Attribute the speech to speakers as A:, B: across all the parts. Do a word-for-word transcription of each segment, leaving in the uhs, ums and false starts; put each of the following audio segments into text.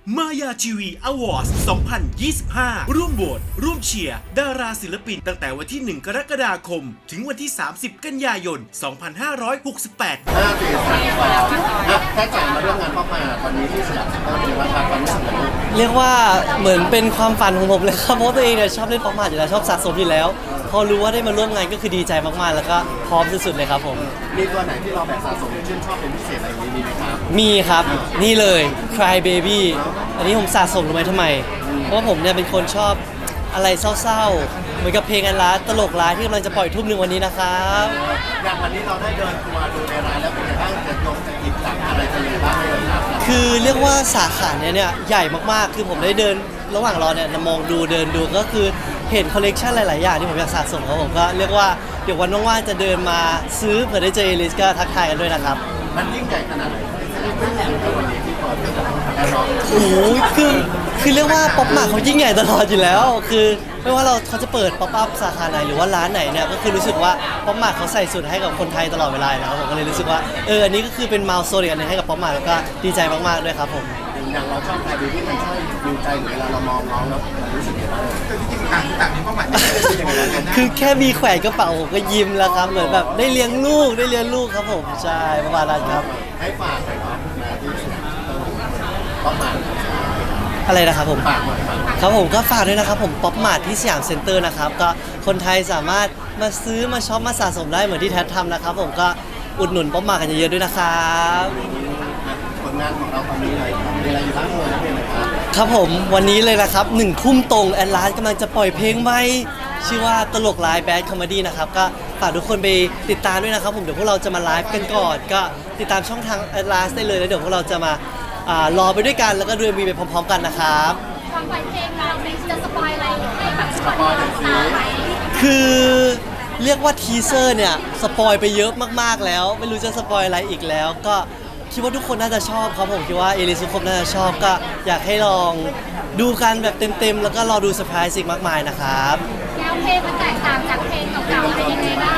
A: มายาทีวีอวอร์ดสองพันยี่สิบห้า ร่วมโหวตร่วมเชียร์ดาราศิลปินตั้งแต่วันที่ หนึ่ง กรกฎาคม ถึงวันที่ สามสิบ กันยายน สองพันห้าร้อยหกสิบแปด
B: ห้าสี่สามสองอ่ะแค่จ่ายมาเรื่องงานพ่อมาตอนนี้ที่สยามเซ็นเตอร์เป็นราคาความรู้สึกของลูก
C: เรียกว่าเหมือนเป็นความฝันของผมเลยครับเพราะตัวเองเนี่ยชอบเล่นป๊อปมาร์ทอยู่แล้วชอบสะสมอยู่แล้ว พอรู้ว่าได้มาร่วมงานก็คือดีใจมากๆ แล้วก็พร้อมสุดๆเลยครับผม
B: มีตัวไหนที่เราแบบสะสมชื่นชอบเป็นพิเศษอะไรอย่างนี้มีไหมครับ
C: มีครับนี่เลย Cry Baby อันนี้ผมสะสมรู้ไหมทำไม เพราะว่าผมเนี่ยเป็นคนชอบอะไรเศร้าๆ เหมือนกับเพลงอันร้ายตลกร้ายที่กำลังจะปล่อยทุ่มหนึ่งวันนี้นะครับ
B: อย่างวันนี้เราได้เดินทัวร์ดูในร้านแล้วเป็นไงบ้างจะลงจะหยิบจับอะไรจะยังไงบ้างเลยครับ
C: คือเรียกว่าสาขาเนี่ยเนี่ยใหญ่มากๆ คือผมได้เดินระหว่างรอเนี่ยมองดูเดินดูก็คือเห็นคอลเลกชันหลายๆอย่างที่ผมอยากสะสมครับผมก็เรียกว่าเดี๋ยววันว่างๆจะเดินมาซื้อเผื่อได้เจอเอลิสก็ทักทายกันด้วยนะครับ
B: มันยิ่งใหญ่ขนาดไหนวันนี้ที่เปิดแอร์ร็อก
C: โอ้โหคือคือเรียกว่าป๊อปมาร์ทเขายิ่งใหญ่ตลอดอยู่แล้ว คือไม่ว่าเราเขาจะเปิดป๊อปอัพสาขาไหนหรือว่าร้านไหนเนี่ยก็คือรู้สึกว่าป๊อปมาร์ทเขาใส่สุดให้กับคนไทยตลอดเวลาอยู่แล้วผมก็เลยรู้สึกว่าเอออันนี้ก็คือเป็นมายล์สโตนอีกอันหนึงให้กับป๊อปมาร์ทแล้วก็ดีใจมากๆด้วยครับผม
B: อย่างเราชอบใครดูที่มันช่วยดูใจหรือเวลาเรามองน้องแล้วมันรู้สึกยังไงบ้าง
D: ต่างต่างมีเป้าหมายที่จะเป็นยังไงกันนะ
C: คือแค่มีแขวนกระเป๋าผมก็ยิ้มแล้วครับเหมือนแบบได้เลี้ยงลูกได้เลี้ยงลูกครับผมใช่ประมาณนั้นครับ
B: ให้ฝากหน่อยเนาะมาที่สยามเซ็นเตอร์พ่อมา
C: อะไรนะครับผม
B: ฝากหน่อยฝาก
C: ครับผมก็ฝากด้วยนะครับผมป๊อปมาร์ทที่สยามเซ็นเตอร์นะครับก็คนไทยสามารถมาซื้อมาช็อปมาสะสมได้เหมือนที่แท็ททำนะครับผมก็อุดหนุนป๊อปมาร์ทกันเยอะๆด้วยนะครับ
B: ผลงานของเราตอนนี้เลยมีอะไรอยู่บ้างเลยนะเป็นไหมครับ
C: ครับผมวันนี้เลยนะครับหนึ่งทุ่มตรงแอนลาสกำลังจะปล่อยเพลงใหม่ชื่อว่าตลกไลฟ์แบดคอมเมดี้นะครับก็ฝากทุกคนไปติดตามด้วยนะครับผมเดี๋ยวพวกเราจะมาไลฟ์กันก่อนก็ติดตามช่องทางแอนลาสได้เลยแล้วเดี๋ยวพวกเราจะมาอ่ารอไปด้วยกันแล้วก็ดูมีไปพร้อมๆกันนะครับ
E: ความไวเพลงเราเนี่ยจะสปอยอะไรให้แบบ
B: สปอยหน่อยสิ
E: ตาไหม
C: คือเรียกว่าทีเซอร์เนี่ยสปอยไปเยอะมากๆแล้ว ไม่รู้จะสปอยอะไรอีกแล้ว ก็คิดว่าทุกคนน่าจะชอบครับผมคิดว่าเอลิสทุกคนน่าจะชอบก็อยากให้ลองดูกันแบบเต็มๆแล้วก็รอดูเซอร์ไพรส์อีกมากมายนะครับ
E: แนวเพลงมันแตกต่างจากเพลงเก่าๆอะไรยังไงบ้าง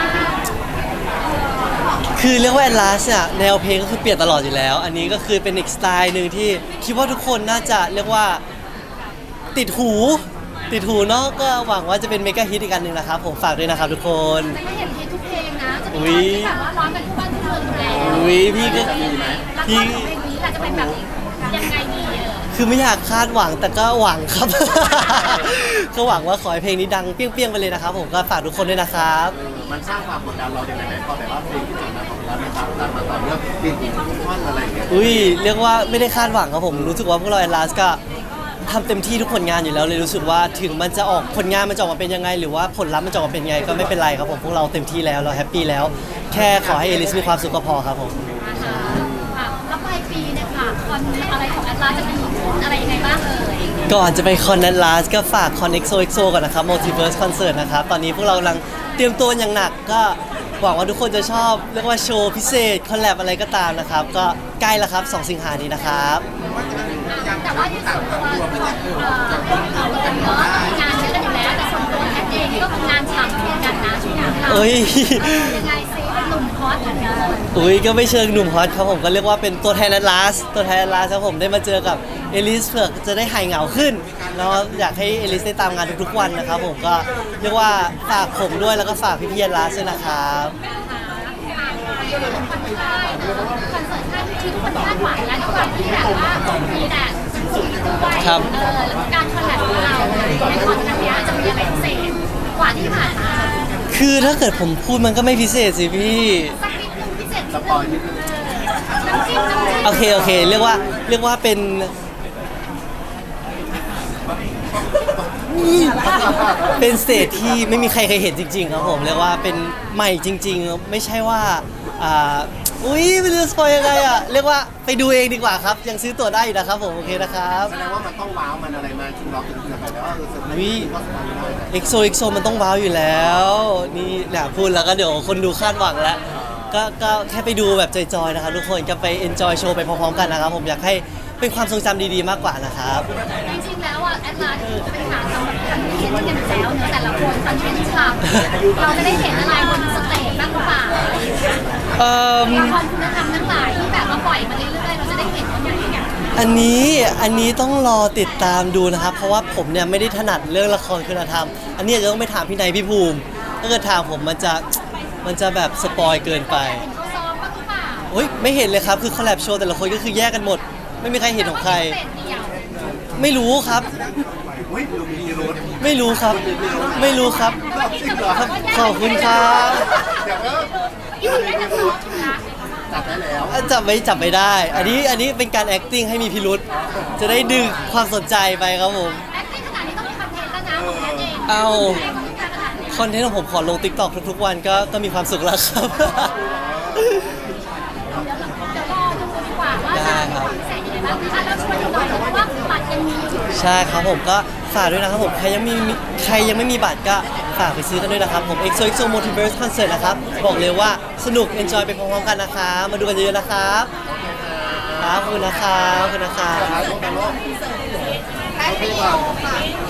C: คือเรียกว่าแอนลาสเนี่ยแนวเพลงก็คือเปลี่ยนตลอดอยู่แล้ว อันนี้ก็คือเป็นอีกสไตล์หนึ่งที่คิดว่าทุกคนน่าจะเรียกว่าติดหูติดหูเนาะก็หวังว่าจะเป็นเมกะฮิตอีกอันหนึ่งนะครับผมฝากด้วยนะครับทุกคน
E: จะไม่เห็นเพลงทุกเพลงนะจะ
C: อุ๊
E: มี
C: ย
E: ตอนที่แบบว่าร้องกันทุกวันทุกเมืองอยู่แล้ว
C: อุ้ยพี่ก็
E: แล้ว
C: พี่
E: ตอนของเพลงนี้ล่ะจะเป็นแบบยังไงดีเออ
C: คือไม่อยากคาดหวังแต่ก็หวังครับ ก็หวังว่าขอให้เพลงนี้ดังเปรี้ยงๆไปเลยนะครับผมก็ฝากทุกคนด้วยนะครับ
B: มันสร้างความกดดันเราอย่างไรไหมพอแบบว่าเพลงที่ผ่านมาของเราเนี่ยครับดันมาต่อเนื่องติดทุกท่อนอะไรอย่างเงี้ย
C: อุ้ยเรียกว่าไม่ได้คาดหวังครับผมรู้สึกว่าพวกเราแอนลาสก็ทำเต็มที่ทุกผลงานอยู่แล้วเลยรู้สึกว่าถึงมันจะออกผลงานมันจะออกมาเป็นยังไง หรือว่าผลลัพธ์มันจะออกมาเป็นยังไงก็ไม่เป็นไรครับผมพวกเราเต็มที่แล้วเราแฮปปี้แล้ว แค่ขอให้เอลิสมีความสุขก็พอครับผม
E: นะคะอ่ะแล้วปลายปีเนี่ยค่ะคอนอะไรของแอตลาสจะมีขึ้นอะไรยังไงบ้างเอ่ย
C: ก่อนจะไปคอนแอนลาสก็ฝากคอน เอ็กโซ เอ็กโซ ก่อนนะครับ Multiverse Concert นะครับตอนนี้พวกเรากำลังเตรียมตัวอย่างหนักก็หวังว่าทุกคนจะชอบเรียกว่าโชว์พิเศษคอลแลบอะไรก็ตามนะครับก็ใกล้แล้วครับสองสิงหานี้นะครับ
E: แต่ว่าที่ส่วนตัวเอ่อเราเองเนาะงานเยอะกันอยู่แล้วแต่ส่วนตัวแอตเองก็ทำงานฉ่ำเหมือนกันนะช่วงนี้ค่ะ
C: เอ้ย
E: ยังไงซิเป็นหนุ่มฮอตเหมือนกัน
C: อุ้ยก็ไม่เชิงหนุ่มฮอตครับผมก็เรียกว่าเป็นตัวแทนแอตลาสตัวแทนแอตลาสครับผมได้มาเจอกับเอลิสเผื่อจะได้หายเหงาขึ้นแล้วอยากให้เอลิสได้ตามงานทุกๆวันนะครับผมก็เรียกว่าฝากผมด้วยแล้วก็ฝากพี่ๆแอตลาสด้วยนะครับ
E: คอนเสิร์ตท่านที่ทุกคนคาดหวังและด้วยความที่แบบว่ามีแต่สูงด้วย
C: ครับ
E: เออแล้วการคอลแลบของเราในคอนครั้งนี้จะมีอะไรพิเศษกว่าที่ผ่านมา
C: คือถ้าเกิดผมพูดมันก็ไม่พิเศษสิพี่
E: สักนิดนึงพิเศษ
B: สปอยนิดนึง
E: น้ำจิ้มน้ำจิ้ม
C: โอเคโอเค เรียกว่าเรียกว่าเป็นเป็นสเตจที่ไม่มีใครเคยเห็นจริงๆครับผมเรียกว่าเป็นใหม่จริง ๆ ไม่ใช่ว่าอ่าอุ้ยไม่รู้จะสปอยยังไงอ่ะเรียกว่าไปดูเองดีกว่าครับยังซื้อตั๋วได้อยู่นะครับผมโอเคนะครับ
B: แสดงว่ามันต้องว้าวมันอะไรมาที่เราถึงจะไปแล้วว่าเออเซอร์ไพรส์ก็สบายได้นะ
C: เอ็กโซเอ็กโซมันต้องว้าวอยู่แล้วนี่แหละพูดแล้วก็เดี๋ยวคนดูคาดหวังแล้วก็ก็แค่ไปดูแบบจอยๆนะครับทุกคนก็ไปเอนจอยโชว์ไปพร้อมๆกันนะครับผมอยากให้เป็นความทรงจำดีๆมากกว่านะครับ
E: จริงๆแล้วอ่ะแอดลาสเป็นหาทำแบบคอนเทนต์กันอยู่แล้วเนอะแต่ละคนคอนเทนต์ฉ่ำเราจะได้เห็นอะไรบนสเตจบ้างหรือเปล่า
C: เอ่อ
E: ละครคุณธรรมทั้งหลายที่แบบว่าปล่อยมาเรื่อยๆเราจะได้เห็นว่าอย่าง
C: อันนี้อันนี้ต้องรอติดตามดูนะครับ เพราะว่าผมเนี่ยไม่ได้ถนัดเรื่องละครคุณธรรม อันนี้อาจจะต้องไปถามพี่นายพี่ภูมิ ถ้าเกิดถามผมมันจะมันจะแบบสปอยเกินไป
E: เขาซ้อมบ้างหรือเปล่า
C: โอ้ยไม่เห็นเลยครับคือคอลแลบโชว์แต่ละคนก็คือแยกกันหมด ไม่มีใครเห็นของใคร
E: เป็ดเดียว
C: ไม่รู้ครับ
B: อุ้ยดูมีรถ
C: ไม่รู้ครับ ไม่รู้ครับ ครับขอบคุณครับ
B: เดี๋ยวก็
E: อยู่ได้แต่ซ้อมนะ
B: จับได้แล้ว
C: จับไม่จับไม่ได้ อันนี้อันนี้เป็นการ acting ให้มีพิรุษจะได้ดึงความสนใจไปครับผม
E: แอคติ้งขนาดนี้ต้องมีคอนเทนต์แล้วนะของแพทย์เอง
C: เอา
E: ใช่ขนาดนี้
C: คอนเทนต์ของผมขอลง TikTok ทุกๆวันก็ก็มีความสุขแล้วครับ
E: เดี๋ยวรอดูดีกว่าว่าจะมีความพิเศษยังไงบ้างอ่ะเราช่วยดูหน่อยเพราะว่าบัตรยังมีอยู่
C: ใช่ครับผมก็ฝากด้วยนะครับผมใครยังมีใครยังไม่มีบัตรก็ฝากไปซื้อกันด้วยนะครับผม เอ็กโซ เอ็กโซ Multiverse Concert นะครับบอกเลยว่าสนุก enjoy ไปพร้อมๆกันนะครับมาดูกันเยอะๆนะครับครับขอบคุณนะครับขอบคุณนะครับ
B: ถ่ายรูปกันลูก
E: แพทย์วิดีโอค่ะ